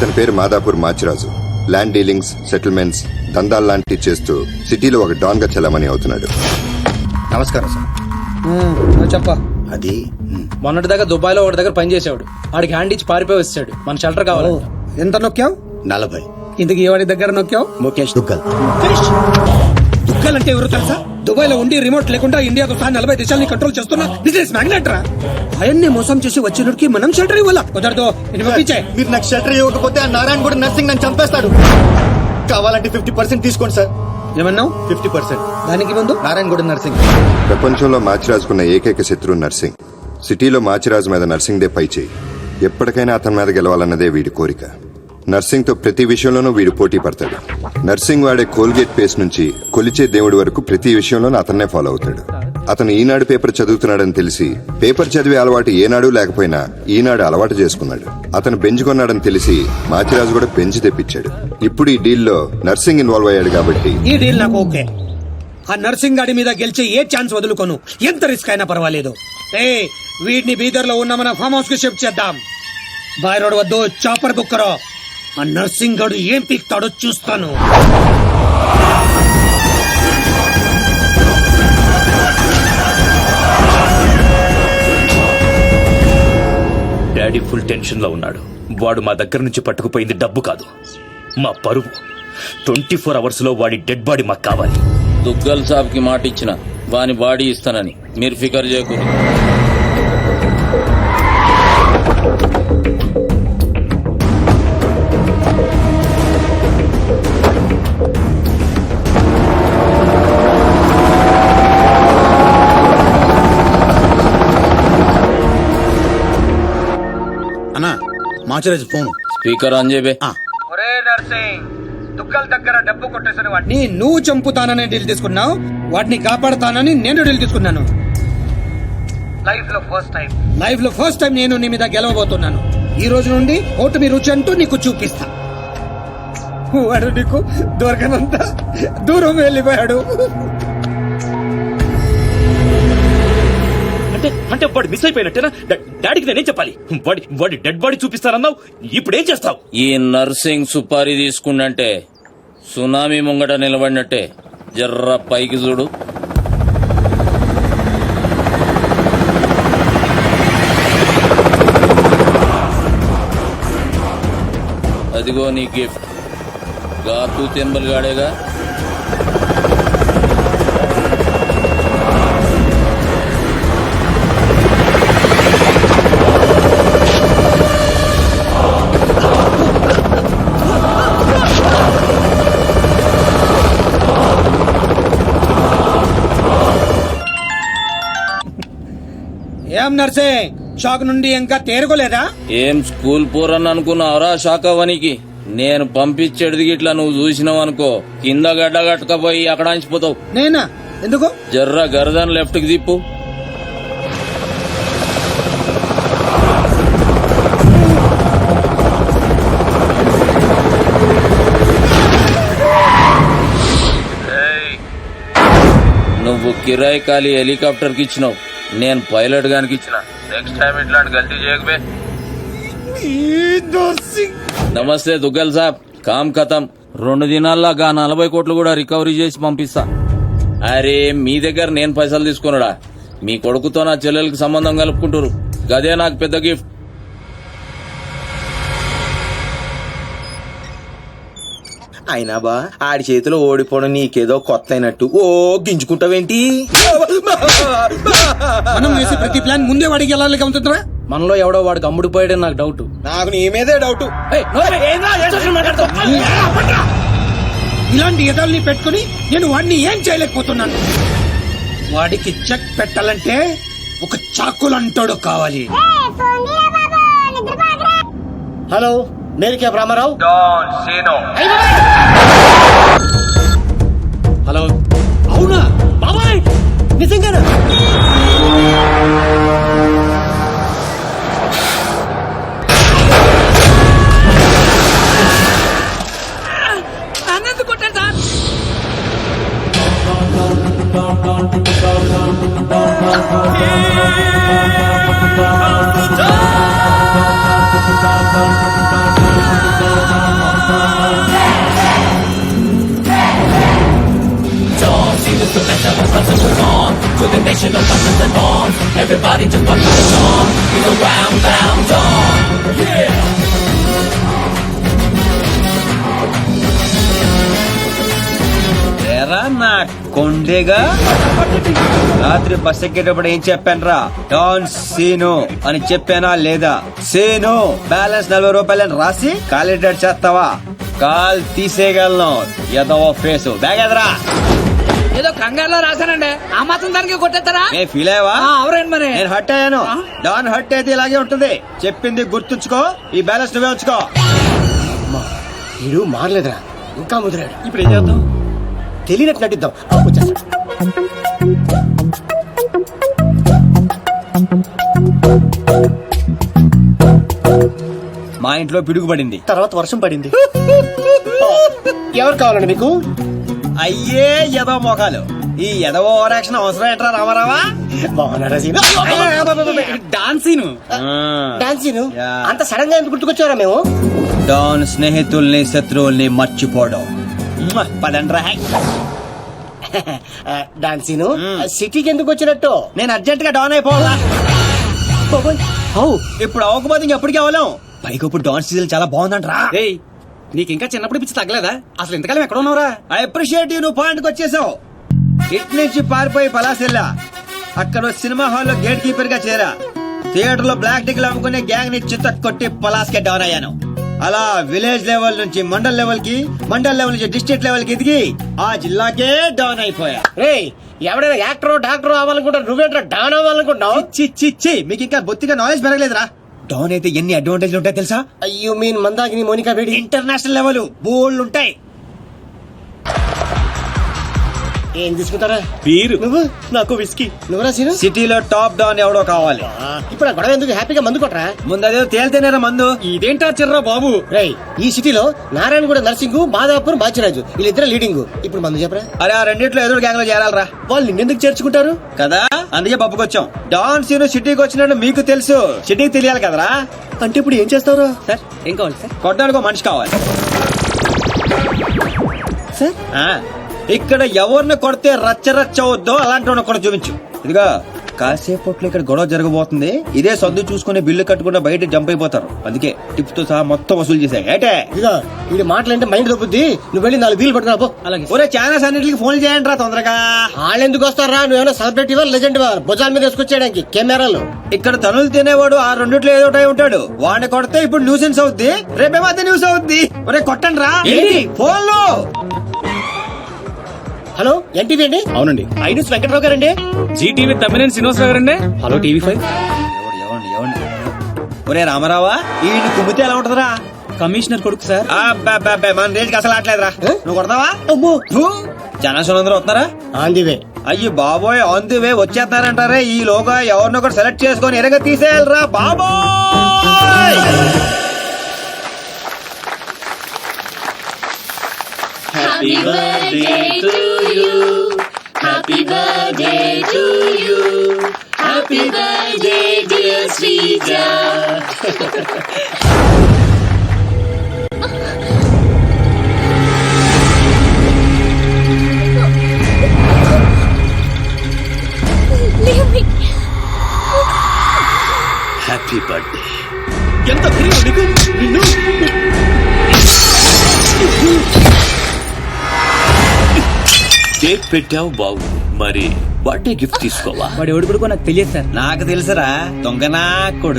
అతని పేరు Madhapur Machiraju. Land dealings, settlements, దందాలు లాంటివి చేస్తూ సిటీలో ఒక డాన్ గా చలామణి అవుతున్నాడు. నమస్కారం సార్. చెప్ప అది మొన్నటి దగ్గర దుబాయ్ లో ఒకటి దగ్గర పనిచేసాడు. వాడికి హ్యాండ్ ఇచ్చి పారిపోయి వచ్చాడు. మన షెల్టర్ కావాలి. ఎంత నొక్కావు? 40. ఇంతకి ఎవరి దగ్గర నొక్కావు? ముఖేష్ దుగ్గల్. దుగ్గల్ అంటే ఎవరు తెలుసా? దుబాయ్ లో ఉండి రిమోట్ లేకుండా ఇండియాతో సహా 40 దేశాలని కంట్రోల్ చేస్తున్నా బిజినెస్ మ్యాగ్నెట్ రా. ఆయన్ని మోసం చేసి వచ్చినడికి మనం షెల్టర్ ఇవ్వాల. కుదరదు. మీరు నాకు షెల్టర్ ఇవ్వకపోతే ఆ నారాయణ కూడా నర్సింగ్ నన్ను చంపేస్తాడు. కావాలంటే 50% తీసుకోండి సార్. ఏమన్నావు? 50%. దానికి ముందు నారాయణ కూడా నర్సింగ్. ప్రపంచంలో మాచిరాజుకున్న ఏకైక శత్రువు నర్సింగ్. సిటీలో మాచిరాజు మీద నర్సింగ్ దే పై చేయి. ఎప్పటికైనా అతని మీద గెలవాలన్నదే వీడి కోరిక. నర్సింగ్ తో ప్రతి విషయంలోనూ వీడు పోటీ పడతాడు. నర్సింగ్ వాడే కోల్గేట్ పేస్ట్ నుంచి కొలిచే దేవుడి వరకు ప్రతి విషయంలోనూ అతన్నే ఫాలో అవుతాడు. అతను ఈనాడు పేపర్ చదువుతున్నాడని తెలిసి పేపర్ చదివే అలవాటు ఏనాడు లేకపోయినా ఈనాడు అలవాటు చేసుకున్నాడు. అతను బెంచ్ కొన్నాడని తెలిసి మాచిరాజు కూడా బెంచ్ తెప్పించాడు. ఇప్పుడు ఈ డీల్ లో నర్సింగ్ ఇన్వాల్వ్ అయ్యాడు కాబట్టి ఈ డీల్ నాకు ఓకే. ఆ నర్సింగ్ గాడి మీద గెలిచే ఏ ఛాన్స్ వదులుకోను. ఎంత రిస్క్ అయినా పర్వాలేదు. వీడిని బీదర్ లో ఉన్న మన ఫామ్ హౌస్ కి షిఫ్ట్ చేద్దాం. బాయ్ రోడ్ వద్దు, చాపర్ బుక్ కరో. ఆ నర్సింగ్ గాడు ఏం పీక్తాడో చూస్తాను. డాడీ ఫుల్ టెన్షన్ లో ఉన్నాడు. వాడు మా దగ్గర నుంచి పట్టుకుపోయింది డబ్బు కాదు, మా పరువు. 24 hours లో వాడి డెడ్ బాడీ మాకు కావాలి. దుగ్గల్ సాబ్ కి మాట ఇచ్చిన వాని బాడీ ఇస్తానని మీరు ఫికర్ చేయకూడదు. అన్నా మాచిరాజు ఫోన్. స్పీకర్ ఆన్ చేయబే. ఒరే నర్సింగ్, దుగ్గల్ దగ్గర డబ్బు కొట్టేసిన వాడిని నువ్వు చంపుతానని డీల్ తీసుకున్నావు. వాడిని కాపాడతానని నేను డీల్ తీసుకున్నాను. లైఫ్ లో ఫస్ట్ టైం నేను నీ మీద గెలవబోతున్నాను. ఈ రోజు నుండి ఓటమి రుచి అంటూ నీకు చూపిస్తా. వాడు నీకు దొరకనంత దూరం వెళ్ళిపోయాడు. అంటే వాడు మిస్ అయిపోయినట్టేనా? డాడీకి నేనేం చెప్పాలి? వాడి డెడ్ బాడీ చూపిస్తానన్నావు, ఇప్పుడు ఏం చేస్తావు? ఈ నర్సింగ్ సుపారీ తీసుకుండంటే సునామీ ముంగట నిలబడినట్టే. జర్ర పైకి చూడు. అదిగో నీ గిఫ్ట్. గాతూ తెంబల్ గాడేగా. ఏం నర్సింగ్, షాక్ నుండి ఇంకా తేరుకోలేదా? ఏం స్కూల్ పోరని అనుకున్నావురా షాకవనికి? నేను పంపించేది గిట్లా నువ్వు చూసినావు అనుకో, కింద గడ్డ కట్టకపోయి అక్కడ అంచిపోతావు. నేనా? ఎందుకు? జర్ర గర్దన్ లెఫ్ట్ కి తిప్పు. నువ్వు కిరాయి ఖాళీ హెలికాప్టర్ కి ఇచ్చినావు, నేను పైలట్ గానికి ఇచ్చిన. నెక్స్ట్ టైం ఇట్లాంటి గల్తీ చేయకబే. నమస్తే దుగ్గల్ సాబ్, కామ్ ఖతం. 2 దినాల్లో 40 కోట్లు కూడా రికవరీ చేసి పంపిస్తా. అరే మీ దగ్గర నేను పైసలు తీసుకున్నాడా? మీ కొడుకుతో నా చెల్లెలకి సంబంధం కలుపుకుంటారు. గదే నాకు పెద్ద గిఫ్ట్. అయినా బా ఆడి చేతిలో ఓడిపోవడం నీకేదో కొత్త అయినట్టు ఓ గింజుకుంటావేంటి? మనం వేసే ప్రతి ప్లాన్ ముందే వాడికి వెళ్ళాలి కమ్ముతుందా? మనలో ఎవడో వాడికి అమ్ముడిపోయాడని నాకు డౌట్. నాకు నీ మీదే డౌట్. ఇలాంటి ఎదల్ని పెట్టుకుని నేను వాడిని ఏం చేయలేకపోతున్నాను. వాడికి చెక్ పెట్టాలంటే ఒక చాకులంటాడు కావాలి. హలో, నేను కే రామారావు. హలో, అవునా బాబాయ్? నిజంగానా? అన్నది కొట్టాడు సార్. ఎరా నా కొండేగా రాత్రి బస్ ఎక్కేటప్పుడు ఏం చెప్పాను రా డాన్ సీను అని చెప్పానా లేదా? సీను బ్యాలెన్స్ 40 రూపాయలని రాసి కాలిడేట్ చేస్తావా? కాల్ తీసేయగలను. ఎదవో ఫేసు బ్యాగ్ ఎదరా. ఏదో కంగారులో రాశానండి, ఆ మాత్రం దానికి కొట్టేస్తారా? నేను ఫీల్ అయ్యావా? అవునండి మరి. నేను హర్ట్ అయ్యాను. డాన్ హర్ట్ అయితే ఇలాగే ఉంటుంది. చెప్పింది గుర్తుంచుకో, ఈ బ్యాలెన్స్ నువ్వే ఉంచుకో. వీడు మారలేదురా, ఇంకా ముదిరాడు. ఇప్పుడు ఏం చేద్దాం? తెలియనట్టు నటిద్దాం. వచ్చేస్తా. మా ఇంట్లో పిడుగు పడింది, తర్వాత వర్షం పడింది. ఎవరు కావాలండి మీకు? అయ్యే ఎదవ మోకాలు. ఈ ఎదవ ఓవర్ యాక్షన్ అవసరం ఏంట్రా రామారావా? బాగున్నారా సీను? డాన్సీను డాన్సీను యా. అంత సడన్ గా ఎందుకు గుర్తుకొచ్చారా మేము? డాన్ స్నేహితుల్ని శత్రువుల్ని మర్చిపోవడం. పదండ్రా. డాన్సీను సిటీకి ఎందుకు వచ్చినట్టు? నేను అర్జెంట్ గా డౌన్ అయిపోవాలా? ఇప్పుడు అవ్వకపోతే ఇంకెప్పటికీ అవ్వలేం. పైకి ఇప్పుడు డాన్ సీజన్ చాలా బాగుందంట్రా. ఏయ్ నీకు ఇంకా చిన్నప్పుడు పిచ్చి తగ్గలేదా? అసలు ఇంతకాలం ఎక్కడ ఉన్నావురా? ఐ అప్రిషియేట్ యూ, నువ్వు పాయింట్కి వచ్చేసావు. ఇట్ నుంచి పారిపోయి పలాసెల్లా, అక్కడ సినిమా హాల్లో గేట్ కీపర్ గా చేరా. థియేటర్ లో బ్లాక్ టికెట్లు అమ్ముకునే గ్యాంగ్ ని చిత్త కొట్టి పలాస్ కే డౌన్ అయ్యాను. అలా విలేజ్ లెవెల్ నుంచి మండల్ లెవెల్ కి, మండల్ లెవెల్ నుంచి డిస్ట్రిక్ట్ లెవెల్ కి ఎదిగి ఆ జిల్లాకే డౌన్ అయిపోయా. రే ఎవడైనా యాక్టర్ డాక్టర్ అవ్వాలనుకుంటారు, నువ్వేంట్రా డాన్ అవ్వాలనుకుంటున్నావు? చి మీకు ఇంకా బొత్తిగా నాలెడ్జ్ పెరగలేదురా. డౌన్ అయితే ఎన్ని అడ్వాంటేజ్లు ఉంటాయి తెలుసా? You mean Mandakini Monica Bedi? International level bold ఉంటాయి. ఏం తీసుకుంటారా? వీరు నువ్వు నాకు విస్కీ. నువ్వురా సీను? సిటీలో టాప్ డౌన్ ఎవడో కావాలి. ఇప్పుడు ఆ గొడవ ఎందుకు? హ్యాపీగా మందు కొట్టరా. ముందు అదే తేలితేనేరా మందు. ఇదేంటా చిర్రా బాబు? రేయ్ ఈ సిటీలో నారాయణగూడ నర్సింగ్, మాదాపూర్, బాచిరాజు వీళ్ళిద్దరు లీడింగ్. ఇప్పుడు మందు చెప్పరా. అరే ఆ రెండిట్లో ఎదురు గ్యాంగ్ లో చేరాలరా. వాళ్ళు నిన్నెందుకు చేర్చుకుంటారు కదా, అందుకే పప్పుకొచ్చాం. డాన్ సీను సిటీకి వచ్చినట్టు మీకు తెలుసు, సిటీకి తెలియాలి కదరా. అంటే ఇప్పుడు ఏం చేస్తావురా? సార్ ఏం కావాలి సార్? కొట్టడానికి ఒక మనిషి కావాలి సార్ ఆ, ఇక్కడ ఎవరిని కొడితే రచ్చ రచ్చ అవుద్దో అలాంటి వాడిని ఒకటి చూపించు. ఇదిగా కాసేపట్లో ఇక్కడ గొడవ జరగబోతుంది. ఇదే సర్దు చూసుకుని బిల్లు కట్టకుండా బయట జంప్ అయిపోతారు. అందుకే టిప్స్ తో సహా మొత్తం వసూలు చేశాయి. ఏటే ఇదిగో వీడి మాటలంటే మైండ్ దొబ్బుద్ది. నువ్వు వెళ్ళి 4 వీలు పట్టుకురా పో. అలాగే ఒరే ఛానల్స్ అన్నిటికి ఫోన్ చేయండి రా తొందరగా. వాళ్ళు ఎందుకు వస్తారా? నువ్వేమైనా సెలబ్రిటీ వా, లెజెండ్ వా? భుజాల మీద వేసుకొచ్చేయడానికి కెమెరాలు. ఇక్కడ తనులు తినేవాడు ఆ రెండిట్లో ఏదో ఒకటి ఉంటాడు. వాడిని కొడితే ఇప్పుడు న్యూసెన్స్ అవుద్ది, రేపేమో అదే న్యూస్ అవుద్ది. ఒరే కొట్టండి రా ఫోన్ లో. హలో ఎన్టీవీ అండి? అవునండి. ఐనూస్ వెంకట్రావు గారండి? జీటీవీ తమ్మినేని శ్రీనివాసరావు గారండి. Hello TV five. ఒరే రామారావా, ఈ కుమ్మితే ఎలా ఉంటదిరా? కమిషనర్ కొడుకు సార్. అబ్బబ్బబ్బే, మన రేంజ్కి అసలు ఆటలేదురా. నువ్వు కొడతావా? అమ్మో జనసేన అందరూ వస్తున్నారా? On the way. అయ్యి బాబోయ్, ఆన్ ది వే వచ్చేస్తున్నారంటారే. ఈ లోగా ఎవరినో ఒకటి సెలెక్ట్ చేసుకొని ఎరగ తీసేయాలరా బాబోయ్. Happy birthday to you. Happy birthday to you. Happy birthday dear Srija. Happy birthday. ఎంత ధైర్యం నీకు? నిన్ను కేక్ పెట్టావు బాగు, మరి బర్త్డే గిఫ్ట్ తీసుకోవా? వాడు ఎవడు కొడుకో నాకు తెలియదు సార్. నాకు తెలుసురా, దొంగనా కొడుకు.